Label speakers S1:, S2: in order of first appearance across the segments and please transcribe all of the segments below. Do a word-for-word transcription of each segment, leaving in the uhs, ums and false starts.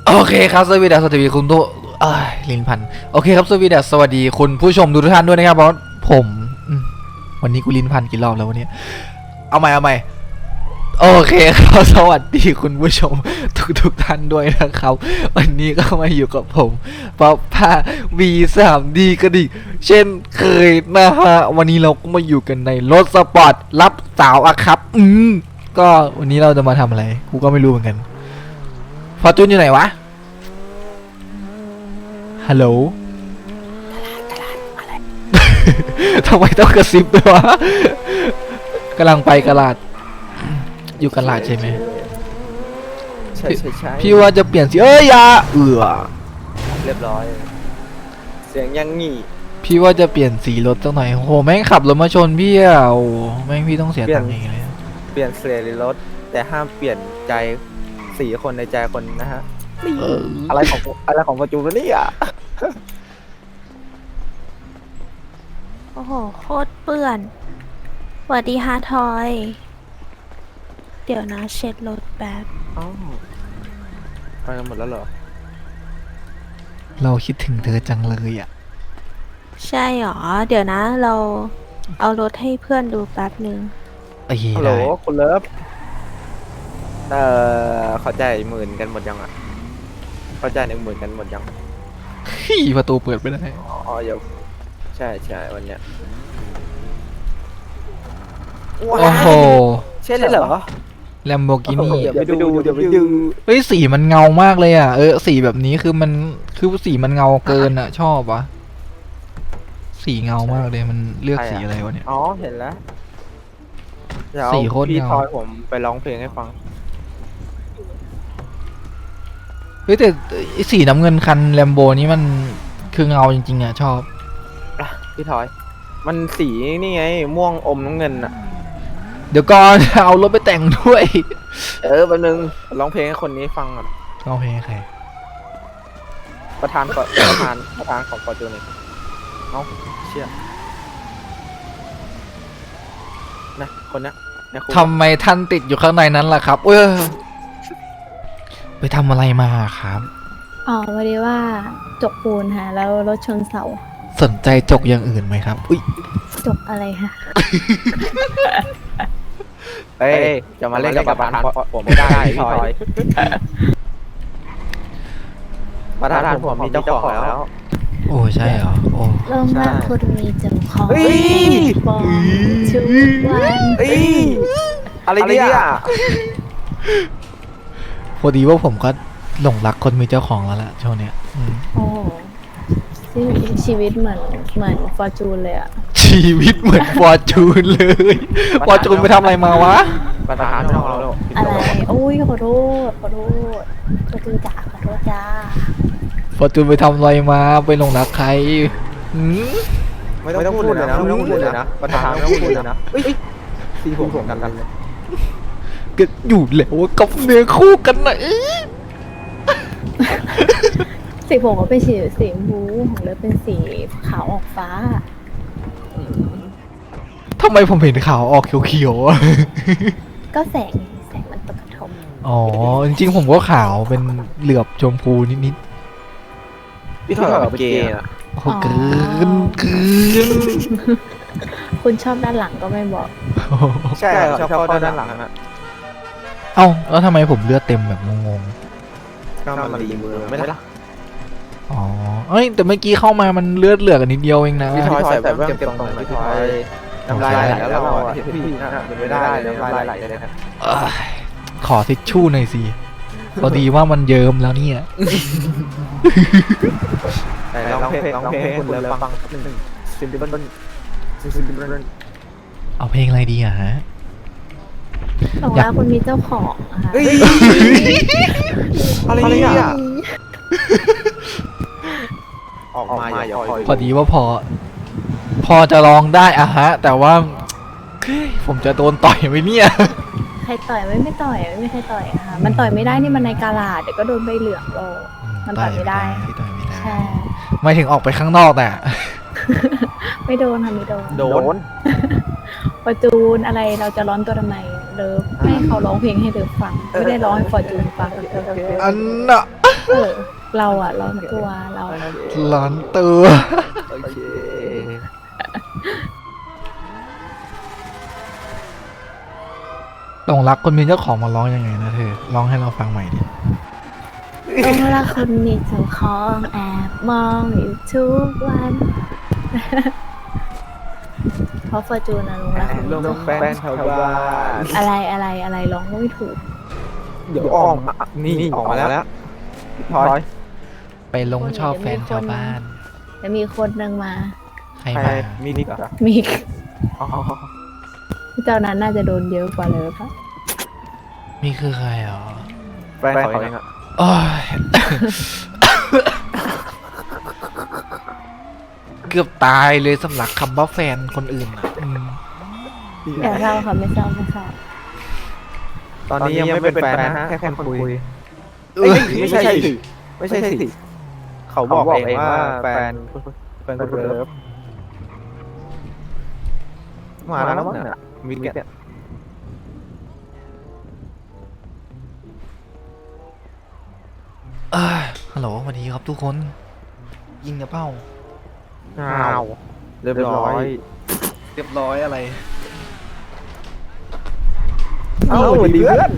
S1: โอเคครับสวัสดีสวัสดีคุณทุกเอ้ยลิ้นพันโอเคครับสวัสดีสวัสดีคุณผู้ชมทุกท่านด้วยนะครับเพราะผมวันนี้กูลิ้นพันกี่รอบแล้ววันนี้เอาใหม่เอาใหม่โอเคครับสวัสดีคุณผู้ชมทุกทุกท่านด้วยนะครับวันนี้ก็มาอยู่กับผมป๊อปป้า วี สาม ดี กันอีกเช่นเคยนะฮะวันนี้เราก็มาอยู่กันในรถสปอร์ตรับสาวอะครับอืมก็วันนี้เราจะมาทำอะไรกูก็ไม่รู้เหมือนกันฟอร์จูนอยู่ไหนวะฮัลโหลทำไมต้องกระซิบด้วยวะกำลังไปกระลาดอยู่กระลาดใช่ไหม
S2: ใช่ใช่ใช่
S1: พี่ว่าจะเปลี่ยนสีเอ้ยอยาเอือ
S2: เรียบร้อยเสียงยังงี้
S1: พี่ว่าจะเปลี่ยนสีรถสักหน่อยโหแม่งขับรถมาชนพี่อ่ะโอ้แม่งพี่ต้องเสียตังค์เองเลย
S2: เปลี่ยนเสียรถแต่ห้ามเปลี่ยนใจสีคนในใจคนนะฮะอะไรของอะไรของประจูนนี่อ่ะ
S3: โอ้โหโคตรเปื่อนสวัสดีฮะทอย เดี๋ยวนะเช็ดรถแป๊บ
S2: อ๋อไปกันหมดแล้วเหรอ
S1: เราคิดถึงเธอจังเลยอ่ะ
S3: ใช่หรอเดี๋ยวนะเราเอารถให้เพื่อนดูแป๊บนึง
S2: ฮัลโหลคุณเลิฟเอ่อเขาจ่ายหมื่นกันหมดยังอ่ะเขาจ่ายหนึ่งหมื่นกันหมดยัง
S1: ขี้ประตูเปิดไม่ได้
S2: อ๋อเดี๋ยวใช่ใช่วันเนี้ย
S1: โอ้โห
S2: ใช่เหรอ
S1: แลมโบกินี่
S2: เดี๋ยวไปดูเดี๋ยวไปดู
S1: เฮ้ยสีมันเงามากเลยอ่ะเออสีแบบนี้คือมันคือสีมันเงาเกินอ่ะชอบวะสีเงามากเลยมันเลือกสีอะไรวะเนี่ย
S2: อ๋อเห็นแล้ว
S1: สีโคตรเงา
S2: พี่ทอยผมไปร้องเพลงให้ฟัง
S1: เฮ้ยแต่สีน้ำเงินคันแลมโบนี้มันคือเงาจริงๆอ่ะชอบ
S2: พี่ทอยมันสีนี่ไงม่วงอมน้ำเงินอ่ะ
S1: เดี๋ยวก่อนเอารถไปแต่งด้วย
S2: เออแป๊บนึงร้องเพลงให้คนนี้ฟังก่อน
S1: ร้องเพลงใคร
S2: ประธานก่อนประธานประธานของฟอร์จูนเอ้าเชี่ยนะคนนี้
S1: ทำไมท่านติดอยู่ข้างในนั้นล่ะครับเออไปทำอะไรมาครับ
S3: อ๋อวันนี้ว่าจกปูนฮะแล้วรถชนเสา
S1: สนใจจกอย่างอื่นไหมครับอุ้ย
S3: จกอะไรฮะ
S2: เอ้ยจะมาเล่นกับประธานผมไม่ได้พี่ทอยประธานผมมีเจ้าของแล้ว
S1: โอ้ใช่เหรอโอ้
S3: เริ่มแรกคุณมีเจ้าของบอกชุดวัน
S2: อะไรเนี่ย
S1: พอดีว่าผมก็หลงรักคนมีเจ้าของแล้วล่ะช่วงเนี้ย
S3: โอ้ชีวิตเหมือนเหมือนฟอร์จูนเลยอะ
S1: ชีวิตเหมือนฟอร์จูนเลยฟอร์จูนไปทำอะไรมาวะ
S2: ประธานของเรา
S3: อะไรโอ้ยขอโทษขอโทษฟอร์จูนจ๋าขอโทษจ้า
S1: ฟอร์จูนไปทำอะไรมาไปหลงรักใคร
S2: ไม่ต้องพูดเลยนะไม่ต้องพูดเลยนะประธานไม่ต้องพูดเลยนะสีผมผมกันเลย
S1: ก็อยู่แล้วกับเนื้อคู่กันนะ
S3: สีผมก็เป็นสีสีมูของเลยเป็นสีขาวออกฟ้า
S1: ทำไมผมเห็นขาวออกเขียว
S3: ๆก็แสงแสงมันตกกระทบ
S1: อ๋อจริงๆผมก็ขาวเป็นเหลือบชมพูนิด
S2: ๆพี่ถอยแบบเกย์อ่ะ
S1: โอ้เกินเกิน
S3: คุณชอบด้านหลังก็ไม่บอก
S2: ใช่ชอบเข้าด้านหลังนะ
S1: เอ้าแล้วทำไมผมเลือดเต็มแบบงง
S2: ๆก็มันดีมือไม่ได้
S1: อ๋อเอ้ยแต่เมื่อกี้เข้ามามันเลือดเหลือกันนิดเดียวเองนะ
S2: พี่ทอยใส่แบบเก็บตรงไหนพี่ทอยน้ำลายไหลแล้วเราเห็นพี่นะเป็นไม่ได้น้ำลายไหลเลยครับ
S1: ขอทิชชู่หน่อยสิพอดีว่ามันเยิ้มแล้วเนี่ย
S2: ร้องเพลงร้องเพลงคุณเลยฟังหนึ่งซิมเบิลซิมเบิล
S1: เอาเพลงอะไรดีอะฮะ
S3: บอกว่าคุณมีเจ้าของนะคะ
S2: อะไรเนี่ยออกมาอย่าคอย
S1: พอดีว่าพอพอจะลองได้อะฮะแต่ว่าผมจะโดนต่อยไหมเนี่ย
S3: ใครต่อยไม่ไม่ต่อยไม่มีใครต่อยอะค่ะมันต่อยไม่ได้นี่มันในกาลาดเดี๋ยวก็โดนใบเหลืองโลมันต่อยไม่ได้ใช่
S1: ไม่ถึงออกไปข้างนอกแต่
S3: ไม่โดนค่ะไม่โดน
S2: โดน
S3: ฟอร์จูนอะไรเราจะร้อนตัวทำไมเลิฟให้เขาร้องเพลงให้เลิฟฟังไม่ได้ร้องให้ฟอร์จูนฟัง
S1: อันน่ะ
S3: เออ เราอ่ะร้อนตัวเรา
S1: ร้อนตัว
S2: โอเค
S1: ตรงรักคนมีเจ้าของมาร้องยังไงนะเธอร้องให้เราฟังใหม่ดิ
S3: ต้องรักคนมีเจ้าของแอบมองอยู่ทุกวัน เพราะฟอร์จูนนะลุงรักคนมี
S2: ลง
S3: เจ้าข
S2: แฟ
S3: อง
S2: นชาวบ้าน
S3: อะไรอะไรอะไรร้องไม่ถูก
S2: เดี๋ยวออกมานี่ออกมาแล้วพลอย
S1: ไปลงชอบแฟนชาวบ้าน
S3: แล้วมีคนหนึ่งมา
S1: ใคร
S2: ใคร
S1: มา
S2: มีนิกเหรอ
S3: มี
S2: อ๋อ
S3: เจ้านั้นน่าจะโดนเยอะกว่าเลยปะ
S1: มีคือใครอ๋อ
S2: แฟนเขาเองอะ
S1: โอ้ย เกือบตายเลยสำหรับคำว่าแฟนคนอื่นอ่ะอืม
S3: แต่เราค่ะไม่เศร้าไม่เศร้า
S2: ตอนนี้ยังไม่เป็นแฟนนะแค่คนคุย
S1: เอ้ย
S2: ไม่ใช่สิไม่ใช่สิเขาบอกเองว่าแฟนแฟนคนเลิฟมาแล้วมั้งเนี่ยมิกเนี่ย
S1: เอ้ยฮัลโหลสวัสดีครับทุกคน ยิงกระเป้า
S2: อ้าวเรียบร้อย
S1: เรียบร้อยอะไร
S2: เอ้าสวัสดีเพื่อน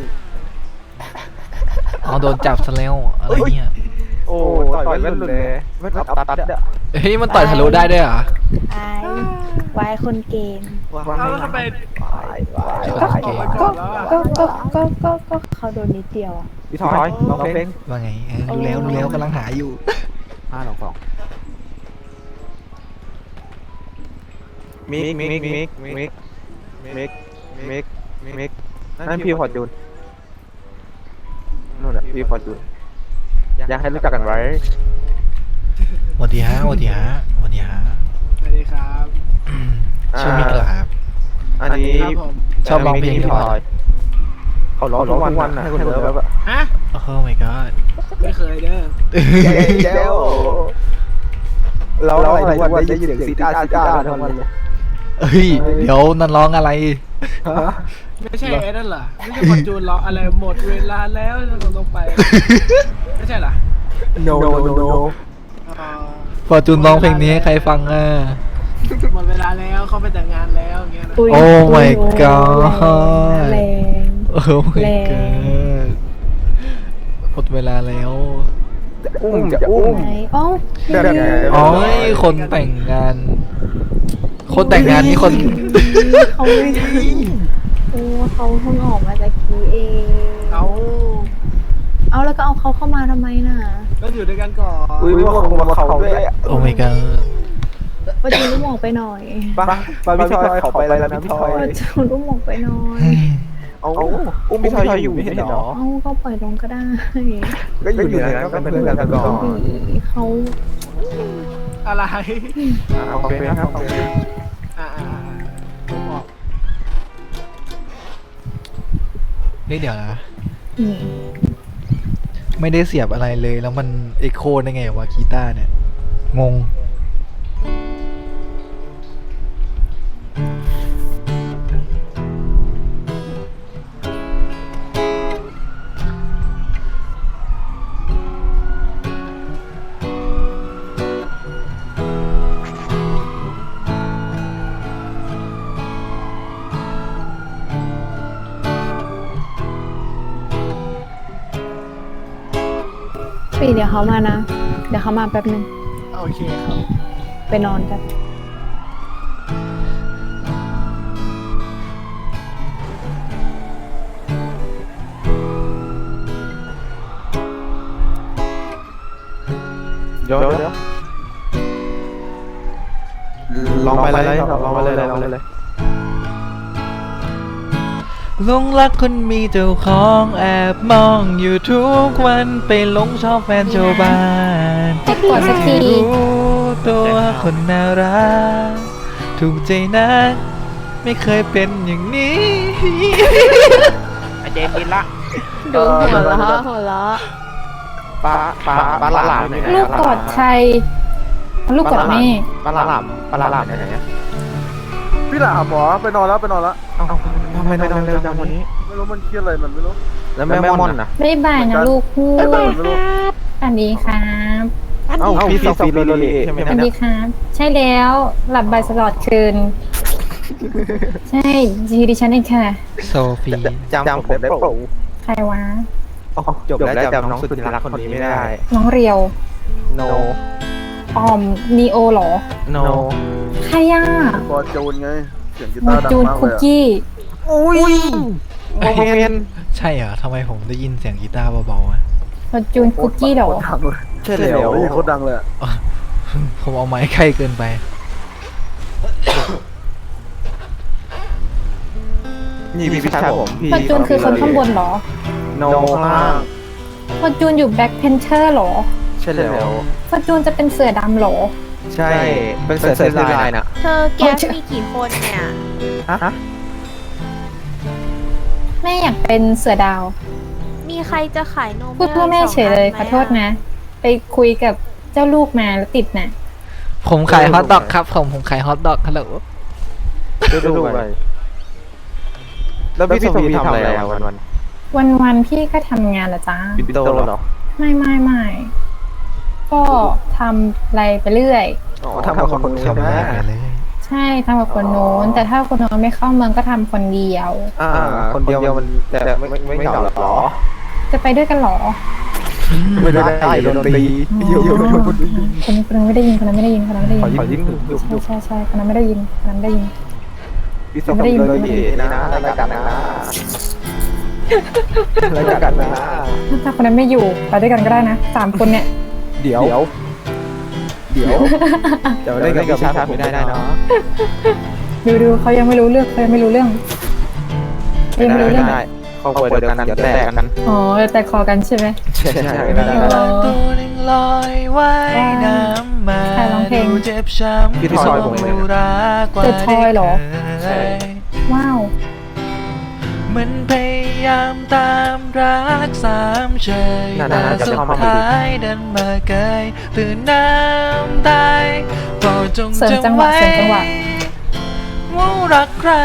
S1: อ๋อโดนจับซะแล้วอะไรเนี่ย
S2: โอ้ต่อยแว่นหลุดเลยแว่นตัดตัดอะ
S1: เฮ้ยมันต่อยทะลุได้ด้วยเหรอ
S3: ไอ้วายคนเกม
S2: เอาทำไมวายวาย
S1: ก็
S3: ก็ก็ก็ก็ก็ก็เขาโดนนิดเดียวอ่ะ
S2: พี่ทอยลองเพลง
S1: ว่าไงเออรู้แล้วรู้แล้วกำลังหาอยู่
S2: ห้าสองสองมิกมิกมิกมิกมิกมิกมิกนั่นพี่พอจูนนู่นแหละพี่พอจูนอยากให้รู้จักกันไว้
S1: สวัสดีฮะสวัสดีฮะสวัสดีฮะ
S4: สวัสดีครับ
S1: อืมชื่อมิกเหรอครับ
S2: อันนี้
S4: ครับผม
S1: ชอบร้องเพลงหรือเปล่า
S2: เขาร้องทุกวันนะให้คนเลิฟอะ
S4: ฮะ
S1: โอ้ my god
S4: ไม่เคยเด้อ
S2: เจ้าเราอะไรทุกวันได้ยินเสียงซีดาซีดาทั้งวันเลย
S1: เฮ้ยเดี๋ยวนั่นร้องอะไร
S4: ไม่ใช่ไอ้นั่นเหรอไม่ใช่คอนจูนเหรออะไรหมดเวลาแล้วเราต้องไป ไม่ใช่เหรอ
S2: no no no
S4: อ๋อ
S1: ฟอร์จูนร้องเพลงนี้ให้ใครฟังอ่ะ
S4: หมดเวลาแล้วเขาไปแต่งงานแล้วอย่างเงี้ยนะ
S3: ย
S1: โอ้ my
S3: ย
S1: god
S3: แรง
S1: โอ้ my
S3: แรง
S1: god หมดเวลาแล้ว
S2: อุ้มจะอุ้ม
S3: ไหนอ๋อ
S2: แบบไหน
S1: อ๋อคนแต่งงาน คนแต่งงานนี่คน
S3: เขาโอ้เขาเพิ่งออกมาจากกี้เอง
S4: เอา
S3: เอาแล้วก็เอาเขาเข้ามาทำไมน่ะ
S4: ก็อยู่ด้วยกันก่อน
S2: อุ้ยว่าคงมาเขาด้วย
S1: โอ้ my god
S3: ว่าจูนลูกหมองไปหน่อย
S2: ป้าป้าพี่ทอยขอไปแล้วนะพี่ทอย
S3: ว่าจูนลูกหมองไปหน่อย
S2: เอาอุ้มพี่ทอยอยู่ไม่เห็นหรอ
S3: เอาก็ปล่อยลงก็ได้
S2: ก็อยู่ในนั้นก็เป็นเพื่อนกันก่อน
S3: เขา
S4: อะไร
S2: โอเคครับโอเค
S4: อ่าผมบอก
S1: เฮ้ยเดี๋ยวนะ
S3: อืม
S1: ไม่ได้เสียบอะไรเลยแล้วมันเอ็กโคได้ไงวะกีตาร์เนี่ย งง
S3: ปีเดี๋ยวเขามานะ เดี๋ยวเขามาแป๊บนึง
S4: โอเคครับ
S3: ไปนอนกัน
S2: เดี๋ยวเดี๋ยวลองไปเลยลองไปเลยลองไปเลย
S1: หลงรักคนมีเจ้าของแอบมองอยู่ทุกวันไปหลงชอบแฟนชาวบ้าน
S3: ให้กดสักที
S1: รู้ตัวคนน่ารักถูกใจนักไม่เคยเป็นอย่างนี้
S2: เจนกินละ
S3: ดูหัวเราะหัวเราะ
S2: ปลาปลาปลาหลาม
S5: ลูกกอดชัยลูกกอดแม่
S2: ปลาหลามปลาหลามไหนพี่หลามหมอไปนอนแล้วไปนอนแล้วทำไมนอนเร็วจังวันนี้
S6: ไม่รู้มันเครียดอะไรมันไม่รู้
S2: แล้วแม่ม่อนนะ
S5: บ๊ายบายนะลูกคู่
S6: ไอ้บ้ามันไม่รู้
S5: คสวัสดีครับ
S2: เอ้าพี่โซฟีโรโรลีใช่ไหม
S5: สวัสดีครับ ใช่แล้วหลับใบสลอดคืน ใช่จีดิฉันเองค่ะ
S1: โซฟี
S2: จำผมได้เปล่า
S5: ใครวะ
S2: จบแล้วจำน้องสุดที่รักคนนี้ไม่ได้
S5: น้องเรียว
S2: no
S5: ออมนีโอเหรอ
S2: no
S5: ใครอ่ะ
S6: ฟอร์จูนไง เสียงกี
S5: ม
S6: ตา
S5: อ
S6: ร์ดัง
S5: จูน
S6: มาก
S5: คุ
S6: เล
S5: ก
S6: ยอะ
S5: กี้
S2: อุ้ยโมเมน
S1: ใช่เหรอทำไมผมได้ยินเสียงกีตาร์เบาๆอะ
S5: มอจูนคุกกี้เหรอ
S6: โคตดังเลย
S2: ใช่แล้ว
S6: โอ้ยโคตรดังเลยอะ
S1: ผมเอาไม้ใกล้เกินไป
S2: นี่พี่ชายผมพี่
S5: มอจูนคือคนข้างบนเหรอ
S2: โนข้างล่าง
S5: มอจูนอยู่แบ็คเพนเทอร์เหรอ
S2: ใช่แล้ว
S5: มอจูนจะเป็นเสือดำเหรอ
S2: ใช่เป็นเสือเซอร์ไลน์น่ะ
S3: เธอแก๊สมีกี่คนเนี่ย
S2: ฮะ
S5: แม่อยากเป็นเสือดาว
S3: มีใครจะขายนม
S5: พูดเพื่อแม่เฉยเลยขอโทษนะ ไปคุยกับเจ้าลูกมาแล้วติดน่ะ
S1: ผมขายฮอทดอกครับผมผมขายฮอทดอกฮัลโหล
S2: ดูดูไปแล้วพี่โซฟีทำอะไรอะวันวัน
S5: วันวันๆพี่ก็ทำงานละจ้า
S2: ปิดโตเหรอ
S5: ไม่ไม่ไม่ก็ทำอะไรไปเรื่อย
S2: อ๋อทำกับคนใช่ไหม
S1: เลย
S5: ใช่ทำกับคนโน้น แต่ถ้าคนโน้นไม่เข้าเมืองก็ทำคนเดียว
S2: อ่าคนเดียวมันแต่ไม่ไม่เหงาหรอ
S5: จะไปด้วยกันเหรอ
S2: ไม่ได้โดนตี
S5: อ๋อคนคนนั้นไม่ได้ยินคนนั้นไม่ได้ยินคนนั้นไม่ได้
S2: ขอ
S5: ยิน
S2: ยิ้มหยุบหยุบ
S5: ใช่ใช่ใช่คนนั้นไม่ได้ยินคนนั้นไม่ได้ยิน
S2: พี่โซฟีเลยดีนะรายการนะรายการนะ
S5: ถ้าคนนั้นไม่อยู่ไปด้วยกันก็ได้นะสามคนเนี่ย
S2: เดี๋ยว เดี๋ยวจะเล่นกับพี่ชายไม่ได้ได้เนาะ
S5: ดูดูเขายังไม่รู้เรื่องเขายังไม่รู้เรื่องเขา
S2: ไม่
S5: ยังไม่รู้เรื่อง
S2: ได้ครอบครัวเดียวกันเดี๋ยวแตกกัน
S5: อ๋อแต่คอกันใช่ไหม
S2: ใช่ใช่ไม่ได้
S5: อ๋อ
S1: ตัวนึงลอยว่ายน้ำมา
S5: ใครร้องเพลง
S1: ดูเจ็บช้ำ
S2: พี่ทอยผมเลย
S1: รักกว่า
S5: เปิดทอยเหรอ
S1: ใช่
S5: ว้าว
S1: มันพยายามตามรักสามเฉย
S2: น่า
S1: แต่
S2: น่าจะ
S1: สุด
S2: เข้ามาพอดี
S1: ท้ายดันมาเกยตื่นน้ำตายโปรดจง
S5: เสริมจังหวะ
S1: จำไว้
S5: เสริมจังหวะ
S1: ว่ารักใคร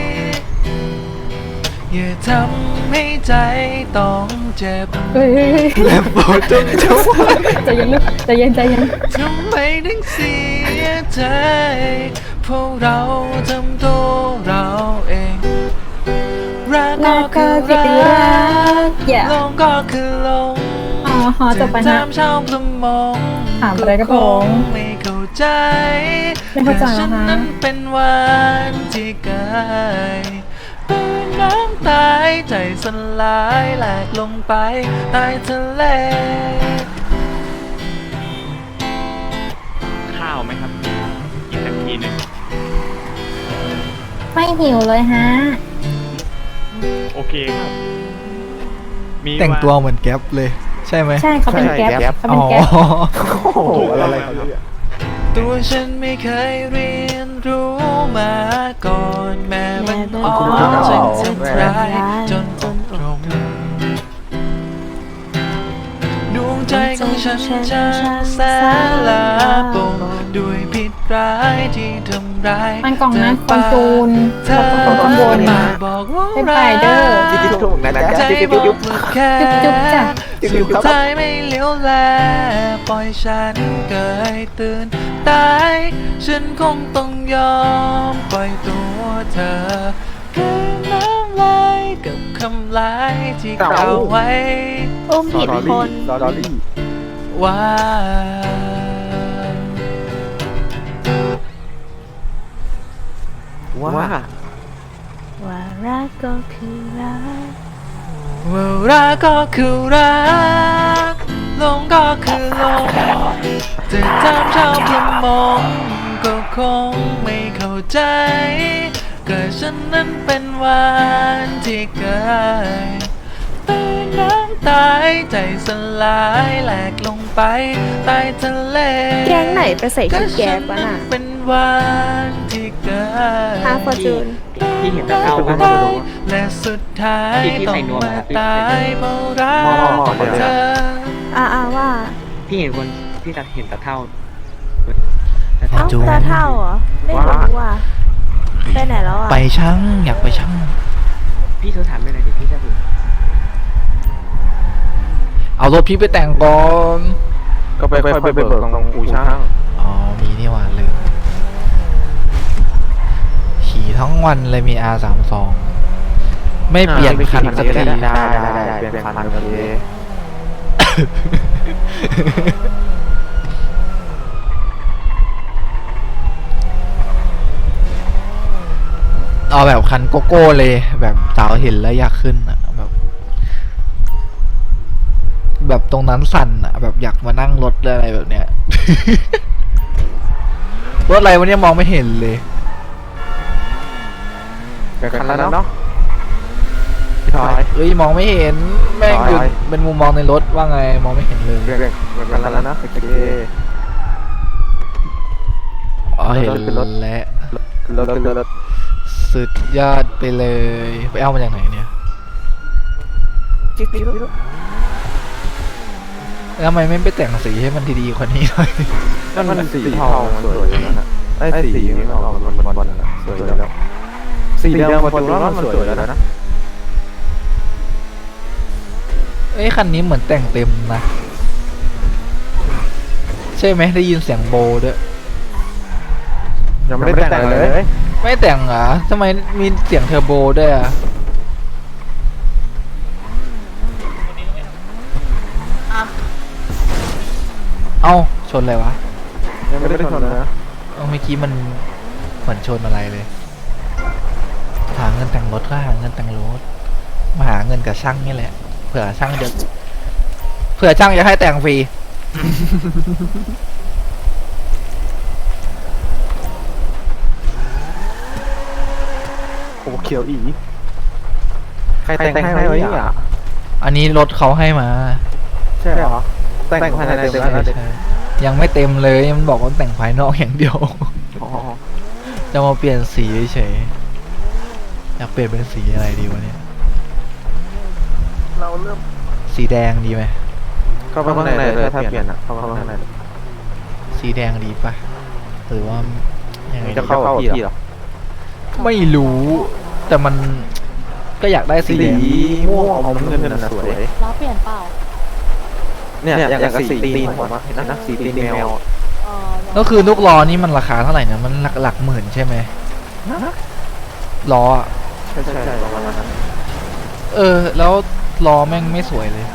S1: อย่าทำให้ใจต้องเจ็บ
S5: เฮ้ยเฮ้ยเฮ้ย
S1: และโปรดจงจำไว้
S5: ใจเย็นลูกใจเย็นใจเย็น
S1: ทำไมถึงเสียใจเพราะเราทำตัวเราเองรัก
S5: แล้
S1: ก็
S5: ว
S1: คื
S5: ก็
S1: อ
S5: จะ
S1: รั
S5: รัก
S1: ก
S5: อย่า
S1: ลงก็คือลง
S5: อ๋อฮอจบไป
S1: จะ
S5: นะ
S1: ตามชาวประมง
S5: ถามอะไรก็พง
S1: ไม่เข้าใจ
S5: ไม่เข้าใจ
S1: แต่ฉัน
S5: เหรอคะ
S1: นั้นเป็นวันที่เกยเป็นน้ำตายใจสลายแหลกลงไปใต้ทะเล
S7: ข้าวไหมครับกินสักทีหนึ่ง
S5: ไม่หิวเลยฮะ
S7: โอเคครับมี
S1: แต่งตัว
S7: า
S1: เหมือนแก๊ปเลย ใช่ไหม
S5: ใช่เขาเป็นแก๊ปเขาเป็นแก๊ป
S1: อ๋อ
S2: โอ้โหอะไรเขาเนี่ย
S1: ตัวฉันไม่เคยเรียนรู้มาก่อนแม้มันอ่อนจนสุดท้ายจนตรงดวงใจของฉันจะแสนลาบงด้วยพิษร้ายที่ทำร้าย
S5: มันกล่องนะคอนจูน
S1: เธ
S5: แล้ว
S1: อ
S5: ก็คนข้างบน
S1: มาบอกว่า
S5: เป็น
S1: รั
S5: ไฟเดอร์
S2: จิ๊บจิ๊บถูกนะจ๊ะ
S1: ใจ
S2: จิ๊บ
S1: บ
S2: จิ๊
S1: อบ ก
S2: จิ๊บ
S1: ว่าแค่
S5: จุ๊บจ้ะ
S2: จิ๊บ
S1: สุ
S2: จิ๊
S1: ด
S2: บครับ
S1: ท้ายไม่เลี้ยวแลปล่อยฉันเกยตื่นตายฉันคงต้องยอมปล่อยตัวเธอคืนน้ำลายกับคำลายที่กล่าวไว้
S3: อุ้มผิดคน
S2: ลอรี่
S1: ว่า
S2: ว่า
S3: ว่ารักก็คือรัก
S1: ว่ารักก็คือรักหลงก็คือหลงจะทำชาวประมงก็คงไม่เข้าใจก็ฉันนั้นเป็นวันที่เกิดเป็นน้ำตายใจสลายแหลกลงไปใต้ทะเล
S3: แก๊งไหนไปใส่
S1: ก็
S3: ชุดแก๊
S1: ฉั
S3: ป
S1: น
S3: วะ
S1: นั้น
S3: น่ะ
S1: เป็นวันที่เกิด
S3: ฮาฟอร์จูน
S7: พี่เห็นตะเกาไหม
S1: และสุดท้าย
S7: ที่ที่
S1: ต้อ
S7: ใส่
S1: ง
S7: นวม
S1: มา
S7: อะ
S1: ตายเพราะรักเธอ
S3: อ่าอ่าว่า
S7: พี่เห็นคนพี่ตาเห็นตะเท่า
S3: เอ้า
S1: จูน
S3: ตาเท่าเหรอ ไม่รู้ว่ะไปไหนแล้วอ่ะ
S1: ไปช่างอยากไปช่าง
S7: พี่โทรถามไม่หน่อยดิพี่จะดู
S1: เอารถพี่ไปแต่งก่อน
S2: ก็ไปค่อยไปเบิกตรงอู่ช่าง
S1: อ๋อมีนี่หว่าลืมขี่ทั้งวันเลยมี อาร์ สามสิบสอง ไม่เปลี่ยนคันสักที
S2: ได้ได้ได้เปลี่ยนคันโอเค
S1: เอาแบบคันโกโก้เลย แบบสาวเห็นแล้วอยากขึ้นอะแบบ แบบตรงนั้นสั่นอะแบบอยากมานั่งรถอะไรแบบเนี้ย รถอะไรวันนี้มองไม่เห็นเลย
S2: เปลี่ยนคันแล้วเนาะพี่ทอย
S1: เอ้ยมองไม่เห็นแม่งอยู่
S2: ถอย
S1: เป็นมุมมองในรถว่าไงมองไม่เห็นเลย
S2: เปลี่ยนเปลี่ยนคันแล้วนะโอเค
S1: อ๋อเห็น
S2: รถเป็นรถ
S1: แล้ว
S2: รถรถรถ
S1: สุดยอดไปเลยไปเอามาจากไหนเนี่ย
S2: จิ๊กจิ๊ก
S1: แล้วทำไมไม่ไปแต่งสีให้มันดีๆกว่านี้หน่อย
S2: นั่นมันสีเทาสวยแล้วนะไอ้สีมันออกบอลบอลสวยแล้วสีแดงประตูว่ามันสวยแล้วนะ
S1: เอ้ยคันนี้เหมือนแต่งเต็มนะใช่ไหมได้ยินเสียงโบด้วย
S2: ยังไม่ได้แต่งเลย
S1: ไม่แต่งเหรอทำไมมีเสียงเทอร์โบด้วยอ่ะเอ้าชนอะไรวะ
S2: ยังไม่ได้ชนนะ
S1: เอ้าเมื่อกี้มันเหมือนชนอะไรเลยหาเงินแต่งรถก็หาเงินแต่งรถมาหาเงินกับช่างนี่แหละเผื่อช่างจะเผื่อช่างจะให้แต่งฟรี
S2: โอ้เขียวอีใครแต่งให้ไว้อ่ะ
S1: อันนี้รถเขาให้มา
S2: ใช่เหรอแต่งภายในเต็มแล้ว
S1: ใช่ยังไม่เต็มเลยมันบอกว่าแต่งภายนอกอย่างเดียว
S2: อ๋อ
S1: จะมาเปลี่ยนสีเฉยๆอยากเปลี่ยนเป็นสีอะไรดีวะเนี่ย
S6: เราเริ่ม
S1: สีแดงดีไหม
S2: เข้าไปข้างในเลยถ้าเปลี่ยนอ่ะเข้าไปข้างใน
S1: สีแดงดีปะหรือว่ายังไง
S2: จะ
S1: ดี
S2: เข้าที่หรอ
S1: ไม่รู้ แต่มันก็อยากได้สี
S2: สี
S1: แดง
S2: ม่วงอมเงินน่ะสวย
S3: ล้อเปลี่ยนเปล่า
S2: เนี่ยอย่างกับสีตีนผมอะเห็นนะสีตีนแมว
S3: เออ
S1: ก็คือลูกล้อนี่มันราคาเท่าไหร่นะมันหลักหลักหมื่นใช่ไหมล้ออะ
S2: ใช่ใช่ประมาณนั้น
S1: เออ แล้วล้อแม่งไม่สวยเลย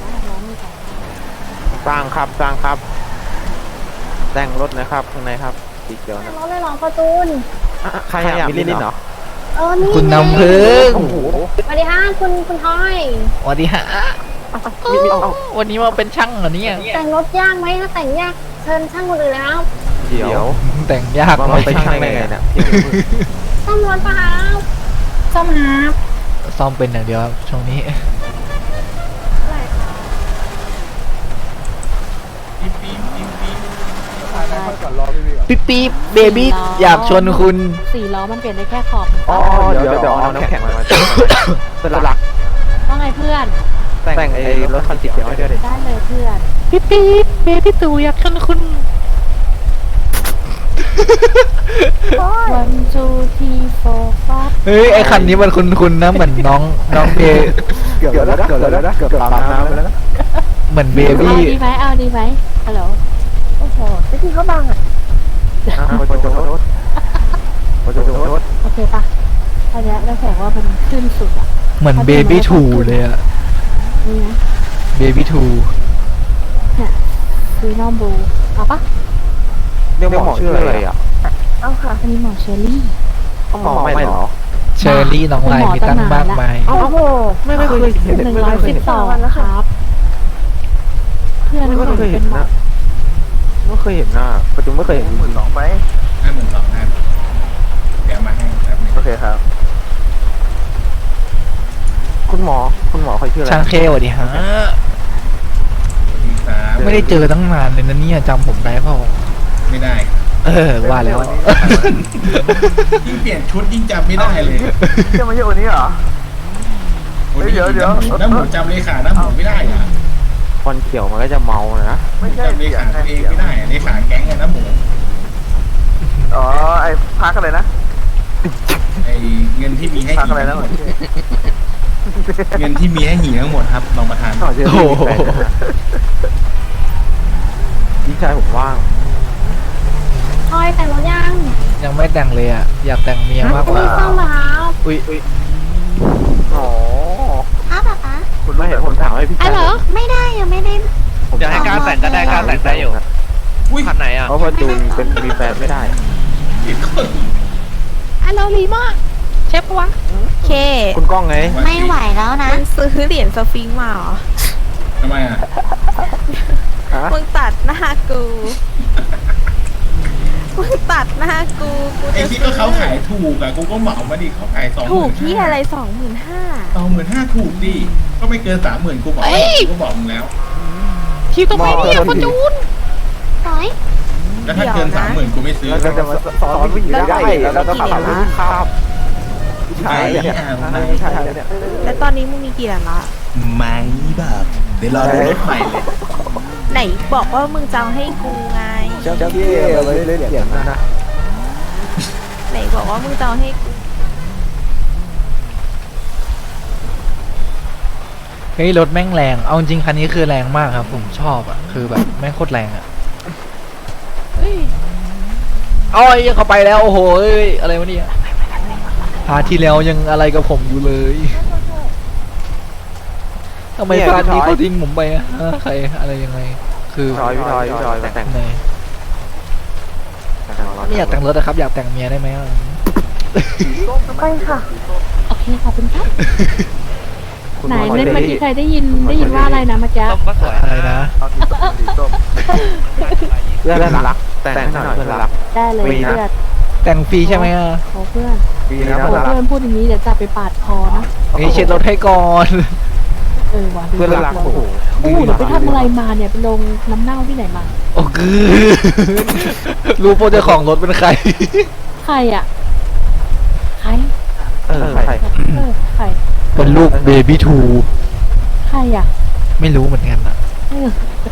S2: สร้างครับสร้างครับ แต่งรถนะครับข้างในครับสีเขียวนะ
S5: รถเลยเหรอฟอร์จูน
S2: ใครอยากมีลิ้นเหรอ
S5: เออนี่
S1: คุณน้ำพึ่ง
S2: โอ้โห
S5: สวัสดีค่ะคุณคุณทอย
S1: สวัสดีฮะ
S2: มีมีเอา
S1: วันนี้มาเป็นช่างเหรอเนี่ย
S5: แต่งรถยากไหมถ้าแต่งยากเชิญช่างคนอื่นเลยนะครับ
S2: เดี๋ยว
S1: แต่งยาก
S2: ว่า
S1: หน่
S2: มั
S1: อน ย
S2: ไปช่างได้ไงเนี่ย
S5: ซ่อมรถปะครับซ่อมครับ
S1: ซ่อมเป็นอย่างเดียวครับช่วงนี้ ปิ๊บปิ๊บเบบี้อยากชวนคุณ
S3: สี่ล้อมันเปลี่ยนได้แค่ขอบ
S2: อ๋อเดี๋ยวเดี๋ยวเอาน้ำแข็งมาสลัก
S3: ว่าไงเพื่อน
S2: แต่งไอ้รถคันสีเขียวให้ด้วยดิ
S3: ได้เลยเพื่อน
S1: ปิ๊บปิ๊บเบบี้ตู่อยากชวนคุณ
S3: วันจูทีโฟฟัส
S1: เฮ้ยไอคันนี้มันคุณคุณนะเหมือนน้องน้องเบ
S2: เกือบแล้วเกือบแล้วนะเกือบตามน้ำไปแล้วนะ
S1: เหมือนเบ
S3: เอา
S1: บี้
S3: ดีไหมเอาดีไหมฮัลโหล
S5: โอ้โหไม่ที่เขาบังอ่ะ
S2: โอ้โหโทษโทษโทษโทษ
S3: โอเคปะอันเนี้ยได้แสดงว่ามันขึ้นสุดอ่ะ
S1: เหมือนเบบี้ทูเลยอะ
S3: นี่นะ
S1: เบบี้ทู
S3: เนี่ยคือน้องบูเอาปะ
S2: เรียกหมอชื่ออะไรอ่ะ
S3: เอาค่ะอันนี้หมอเชอรี่
S2: หมอไม่หรอ
S1: เชอร์รี่น้องลายมีตั้งมากมาย
S3: โอ้โห
S2: ไม่ไม่เคยเห็น
S3: หนึ่ง
S2: ไม่
S3: ร้อย
S2: เคย
S3: สิบ
S2: เห็น
S3: สองครับ เพื่อน
S2: ไม่
S3: เพื่อน
S2: เคยเห็
S3: เป็น นหมอ
S2: นะไม่เคยเห็นหน้าปัจจุบันไม่เคยเห็น
S6: หมื่นสองไป
S8: ห้าหมื่นสองครับเดี๋ยวมาให้แป๊บนึง
S6: โอเคครับ
S2: คุณหมอคุณหมอเขาชื่ออะไร
S1: ช่างเคสวัสดีฮะ
S8: สวัสดีครับ
S1: ไม่ได้เจอตั้งนานเลยนะเนี่ยจำผมได้เปล่า
S8: ไม่ได้
S1: เออว่าแล้ว
S8: ยิ่งเปลี่ยนชุดยิ่งจำไม่ได้เลย
S6: จะไม่ใช่วันนี้เหรอ
S8: วันนี้
S6: เดี๋ยวเดี๋ยว
S8: น้ำหมูจำเลขาน้ำหมูไม่ได้อะ
S2: ควันเขียวมันก็จะเมานะ
S6: ไม่ใช่
S8: จำเล
S6: เสียง
S8: ขา
S6: ไง
S8: ตัวเอง
S6: เสียง
S8: ไม่ได้อะเลขาแก๊งอะน้ำหมู
S6: อ๋อ ไอ้พักอะไรนะ
S8: ไอเงินที่มีให้
S6: พักอะไรนะ
S8: อีกเงินที่มีให้หีทั้งหมดครับรองประธาน
S2: ต่อเชื่อ
S1: โอ้
S2: พี่
S1: โห
S2: แฟนนะพี่ชายผมว่าง
S5: ทอยแต่งรถยัง
S1: ยังไม่แต่งเลยอ่ะ อยากแต่งเมียมากกว่า
S5: ไม่ต้องมาครับ
S1: อุ้ย
S2: อ๋อ
S3: อ้าวป๊าป๊า
S2: คุณไม่เห็นผมถามให้พี่
S3: อ้าวเหรอ ไม่ได้ยังไม่ได้
S2: ผม
S9: อยากให้การแต่งก็ได้การแต่งได้อยู่
S8: อุ้ย
S9: คันไหนอ่ะ
S2: เพราะว่าจูนเป็นมีแฟนไม่ได้
S8: อีกคน
S3: อ้าวเราลีมากเชฟปะวะเค
S2: คุณก้องไง
S3: ไม่ไหวแล้วนะมึงซื้อเหรียญสฟิงค์มาเหรอ
S8: ทำไมอ่ะ
S2: ฮะ
S3: มึงตัดหน้ากู มึงตัดหน้ากูกู
S8: ไอ้
S3: จะ
S8: ที่ก็เขาขายถูกอ่ะกูก็เหมามาดิเขาขายสองห
S3: ถู
S8: มื่
S3: ก
S8: น
S3: ที่อะไรสองหมื่นห้า
S8: สองหมื่นห้าถูกดิก็ไม่เกินสามหมื่นกูบอกกูก็บอกมึงแล้ว
S3: คิวต้องไปเนี่ยพอจูนร้อย
S8: แล้วถ้าเกินสามหมื่นกูไม่ซื้อ
S2: แล้วจะมาสอนผู้หญิงได้แล้วก็ขับรถข้ามผู้ชายเนี่ยผู้ชายเนี่ย
S3: แล้วตอนนี้มึงมีกี่เหรียญละ
S8: ไม่แบบเดี๋ยวรอดูรถใหม่เลย
S3: ไหนบอกว่ามึงจะเอาให้กูไง
S2: เจ้าเจ้าเกี้ยวเลยเล่นเหรียญนะนะ
S3: ไหนบอกว่ามึงจะเอาให้กู
S1: เฮ้ยรถแม่งแรง เอาจริงคันนี้คือแรงมากครับ ผมชอบอ่ะ คือแบบแม่งโคตรแรงอ่ะเฮ้ยเอาไอ้เข้าไปแล้วโอ้โหเอ้ยอะไรวะเนี่ยพาร์ทที่แล้วยังอะไรกับผมอยู่เลยทำไมพาร์ทนี้เขาทิ้งผมไปอะฮะใครอะไรยังไง คือ
S2: ทอยพี่ทอยพี่ทอยแต่ง
S1: ไหนไม่อยากแต่งรถนะครับ อยากแต่งเมียได้ไหมอะ
S5: ไปค่ะ โอเคขอบคุณครับ ไหนเล่นเมื่อกี้ใครได้ยินได้ยินว่าอะไรนะเมื่อกี้
S9: ต้มก็สวย
S1: อะไรนะ
S2: เพื่อนรักแต่งหน่อยเพื่อนรัก
S5: ได้เลย
S2: มีนะ
S5: เพื่อน
S1: แต่งฟรีใช่ไหมอะ
S5: โอ้เพื่อน
S2: ปีนะ
S5: โอ้
S2: เพื่อนรัก
S5: เพื่อนพูดอย่างนี้เดี๋ยวจะไปปาดคอนะ
S1: เฮ้ยเช็ดรถให้ก่อน
S5: เออว่ะดู
S2: เพื่อนรัก
S5: ดู
S2: โอ้โห
S5: อู้เดี๋ยวไปทำอะไรมาเนี่ยไปลงน้ำเน่าที่ไหนมา
S1: โอ้คือรู้โปรเจ้าของรถเป็นใคร
S5: ใครอ่ะ ใคร
S2: เออใคร
S5: เออใคร
S1: เป็นลูกเบบี้ทู
S5: ใครอ่ะ
S1: ไม่รู้เหมือนกันอะ
S5: เออ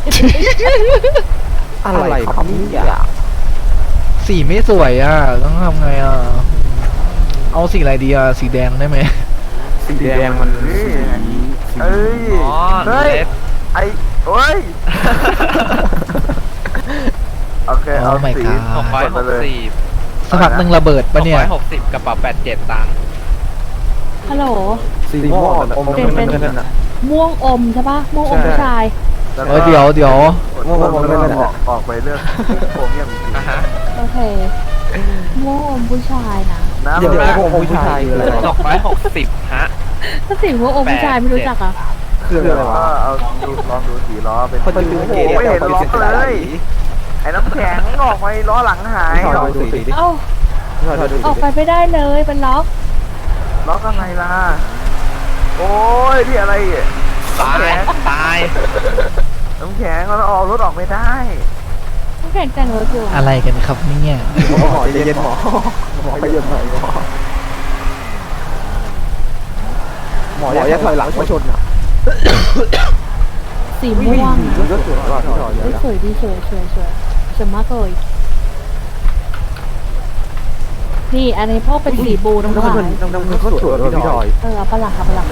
S2: อะไรครับเนี่ย
S1: สีไม่สวยอ่ะ ต้องทำไงอ่ะ เอาสีอะไรดีอ่ะ สีแดงได้ไหม
S2: สีแดงมันเอ้ย
S9: อ๋อ
S6: เฮ้ย
S9: เล็บ
S6: ไอ้โอ้ย โอเค
S1: โอ้
S6: เอา
S1: my
S6: สี
S1: god
S9: หกร้อยหกสิบ
S1: สักพักหนึ่งระเบิด
S9: ห
S1: ปะ
S9: ก
S1: เนี่ย
S9: ร้อยหกสิบกระเป๋าแปดเจ็ดตังค์
S5: ฮัลโหล
S2: สีม่วงอมน้ำเงินนั่นน่ะ
S5: ม่วงอมใช่ปะม่วงอมผู้ชาย
S1: เออเดี๋ยวเดี๋ยว
S6: ม่วงม่วงม่วงออกออกไปเรื่องโครเมียมอีกที
S9: อ่ะฮะ
S5: โอเค ม่วงอมผู้ชายนะ
S6: น้ำ
S2: เดี๋ยว
S6: มัน
S2: พวกผู้ชายคืออะไร
S9: หกร้อยหกสิบฮะ
S5: ถ้าสีม่วงอมผู้ชายไม่รู้จักอ่ะ
S2: คืออะไร
S6: ก็
S2: วะ
S6: เอาดูลองดูสีล้อเป็น
S2: คน
S6: โอ้
S2: ดู
S6: โห
S2: เก๋
S6: ไม่เห็นล้อเลย ไอ้น้ำแข็งออกไปล้อหลังหาย
S2: ถอยดูสีดิ
S5: เอ้า
S2: ถอยดู
S5: ออก
S2: สี
S5: ไปไม่ได้เลยเป็นล็อก
S6: ล้อข้างในล่ะ โอ้ยพี่อะไรอ่ะ
S9: ตายตาย
S6: น้ำแข็งเราออกรถออกไม่ได้
S5: ต้องแข่งแต่งรถอยู่
S1: อะไรกันครับเนี่ย
S2: หมอใจเย็นหมอหมอใจเย็นหน่อยหมอหมออย่าถอยหลังมาชนอ่ะ
S5: สีม่วง
S2: ก็สวยว่าที่ถอย
S5: เฮ้ยสวยดีสวยสวยสวยสวยมากเลยนี่อันนี้พวกเป็นสีบูน้ำ
S2: น้ำ
S5: ลา
S2: เงิน
S5: ย
S2: น้ำเงินเขาสวยพี่ถอย
S5: เออเอาปะหลักเอาปะหลัก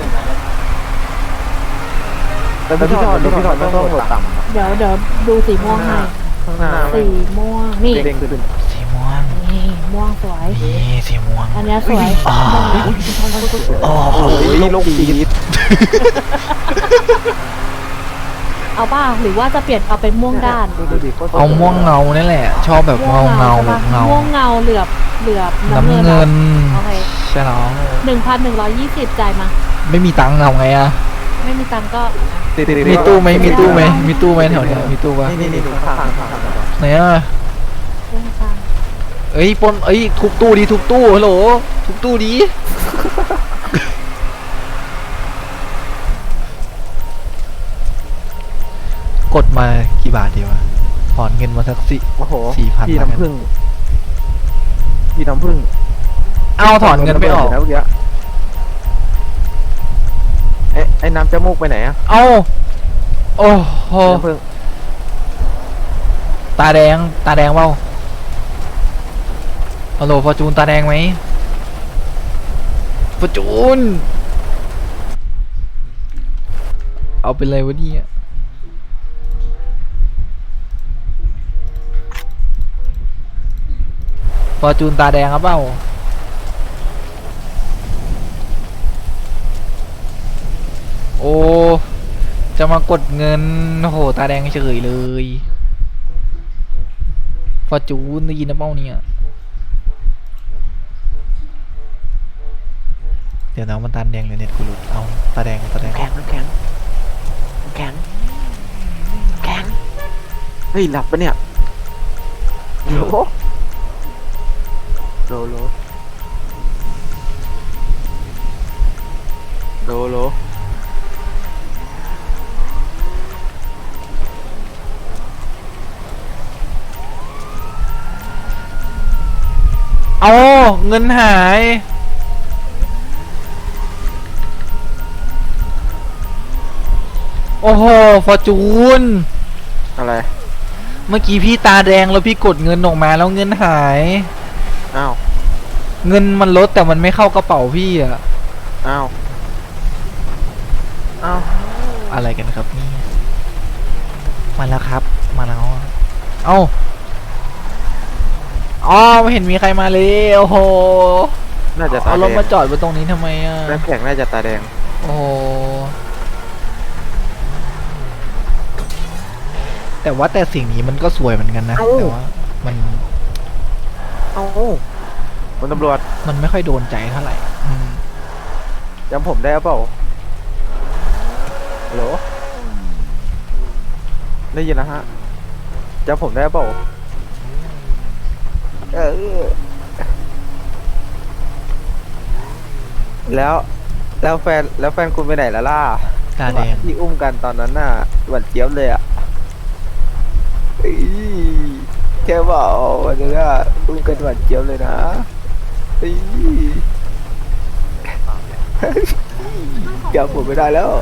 S2: แต่พี่ถอยพี่ถอยต้องหัวต่ำ
S5: เดี๋ยวเดี๋ยวดูสีม่วงให้
S2: ข้างหน้า
S5: สีม่วงนี่
S2: เด้งขึ้น
S1: สีม่วง
S5: นี่ม่วงสวย
S1: นี่สีม่วง
S5: อันเนี้ยสวย
S1: อ๋อ โอ้โห
S2: โอ้ยลูกปีด
S5: เอาป่ะหรือว่าจะเปลี่ยนเอาเป็นม่วงด้าน
S1: เอาม่วงเงานี่แหละ ชอบแบบเงาเงา
S5: ใช่ปะ
S1: เงา
S5: ม่วงเงาเหลือบเหลือบน้ำ
S1: น้ำ
S5: เงิน
S1: เงิน
S5: โอเค
S1: ใช่แล้ว
S5: หนึ่งพันหนึ่งร้อยยี่สิบจ่ายมา
S1: ไม่มีตังค์เอาไงอะ
S5: ไม่มีตังค์ก็
S1: มีตู้ไหมมีตู้ไหมมีตู้ไหมแถวเนี้ยมีตู้ปะ
S2: นี่นี่นี่ข้างข้างข้าง
S1: ไหนอะ
S5: เรื่องตังค์
S1: เอ้ยปนเอ้ยทุบตู้ดีทุบตู้ฮัลโหลทุบตู้ดีกดมากี่บาทดีวะถอนเงินมาสักสิ
S2: โอ้โห
S1: สี่พัน
S2: พี่น้ำผึ้งพี่น้ำผึ้ง
S1: เอาถอนเงินไม่ออก
S2: นะเมื่อกี้เอ๊ะไอ้น้ำจมูกไปไหนอะ
S1: เอาโอ้โห
S2: น้ำผึ้ง
S1: ตาแดงตาแดงเปล่าฮัลโหลฟอร์จูนตาแดงไหมฟอร์จูนเอาเป็นไรวะเนี่ยฟอร์จูนตาแดงครับเปล่าโอ้จะมากดเงินโอ้โหตาแดงเฉยเลยฟอร์จูนได้ยินนะเป้าเนี่ยเดี๋ยวนะมันตาแดงเลยเน็ตกูหลุดเอาตาแดงตาแดง
S2: แข็งน้ำแข็งน้ำแข็งแข็งเฮ้ยหลับปะเนี่ยโลโลโลโลโล
S1: เอาเงินหายโอ้โหฟอร์จูน
S2: อะไร
S1: เมื่อกี้พี่ตาแดงแล้วพี่กดเงินออกมาแล้วเงินหาย
S2: อ้าว
S1: เงินมันลดแต่มันไม่เข้ากระเป๋าพี่อะ
S2: อ้าวอ้าว
S1: อะไรกันครับนี่มาแล้วครับมาแล้วอะเอ้าอ๋อไม่เห็นมีใครมาเลยโอ้โห
S2: น่าจะตา
S1: เอา
S2: แด
S1: รง ถมาจอดไว้ตรงนี้ทำไมอะ
S2: น้ำแข็งน่าจะตาแดง
S1: โอ้โหแต่ว่าแต่สิ่งนี้มันก็สวยเหมือนกันนะแต่ว่ามัน
S2: เอ้าคุณตำรวจ
S1: มันไม่ค่อยโดนใจเท่าไหร่อืม
S2: จำผมได้เปล่าฮัลโหลได้ยินนะฮะจำผมได้เปล่าเออแล้วแล้วแฟนแล้วแฟนคุณไปไหนแล้วล่ะ
S1: ตาแดง
S2: ที่อุ้มกันตอนนั้นน่ะหวานเจี๊ยบเลยอ่ะอีแค่บอกวันนี้อ่ะอุ้มกันหวานเจี๊ยบเลยนะอีจำผมไม่ได้แล้ว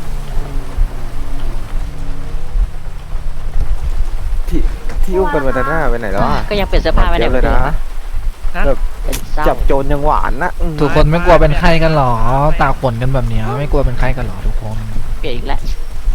S2: ที่ที่อุ้มกันวันนั้นน่ะไปไหนแล้วอ่ะ
S10: ก็ยังเปลี่ยนเสื้อผ้าไม่ได้
S2: หวานเจี๊ยบเลยนะแบบ
S10: เป็นเศร้า
S2: จับโจรยังหวานนะอืม
S1: ทุกคนไม่กลัวเป็นไข้กันหรอตากฝนกันแบบเนี้ยไม่กลัวเป็นไข้กันหรอทุกคน
S10: เปลี่ยนอีกแล้ว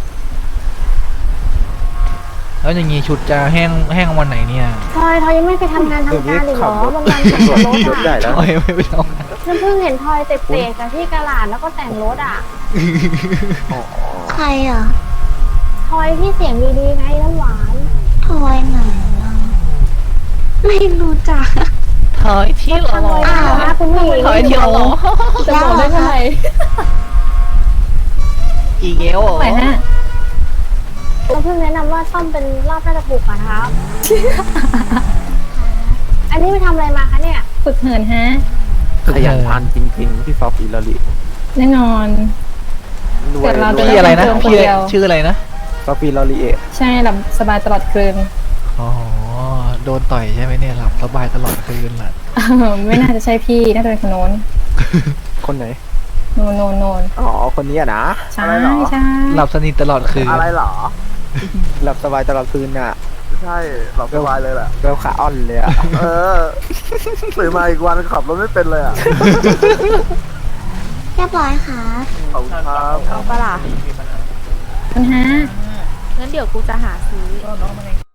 S1: แล้วอย่างงี้ชุดจะแห้งแห้งวันไหนเนี่ย
S3: ทอยทอยยังไม่ไปทำงานทำการอีกเหรอวันวันขับรถ
S2: รถใหญ่
S3: อ่ะ
S2: แล้ว
S1: โอ้ยไม่ไปเอา
S3: ฉันเพิ่งเห็นทอยเตะเตะกับที่กะลาดแล้วก็แต่งรถอ่ะ
S11: ใครอ่ะ
S3: ทอยที่เสียงดีๆไงน้ำหวาน
S11: ทอยไหนอ่ะไม่รู้จัก
S10: ถอยที่หรอ
S3: ทำเลยนะคุณผู้หญิง
S10: ถอยที่หรอ
S5: จะบอกได้เมื่อไหร่
S10: อีเกล
S5: ไหนฮะ
S3: เราเพิ่งแนะนำว่าซ่อมเป็นรอบน่าจะถูกกว่าครับ อันนี้ไปทำอะไรมาคะเนี่ย
S5: ฝึกเหินฮะ
S2: ขยันทานจริงๆพี่ฟอฟิลลอรี
S5: แน่นอน
S2: รว
S5: เกิ
S2: ย
S5: ดเราจ
S1: พี่อะไรนะ
S5: เพิ่ม
S1: พี่
S5: คนเดียว
S1: ชื่ออะไรนะ
S2: ฟอฟิลลอรีเอ
S5: ใช่หลับสบายตลอดคืน
S1: อ๋อโดนต่อยใช่ไหมเนี่ยหลับสบายตลอดคืนแหละ
S5: ไม่น่าจะใช่พี่ น่าจะเป็นคนโน้น
S2: คนไหน
S5: โนนโนนโนน
S2: อ๋อคนนี้อะนะ
S5: ใช่ใช่
S1: หลับสนิทตลอดคืน
S6: อะไรเหรอ
S2: หลับสบายตลอดคืนน่ะ
S6: ใช่หลับสบายเลยแหละ
S2: เวลขาอ่อนเลยอะ
S6: เออตื่นมาอีกวันขับรถไม่เป็นเลยอ่ะ
S11: เรียบร้อยค่ะ
S6: ขอบคุณครับ
S3: เอาปะล่ะ
S5: คุณฮะ
S3: งั้นเดี๋ยวกูจะหาซื้อ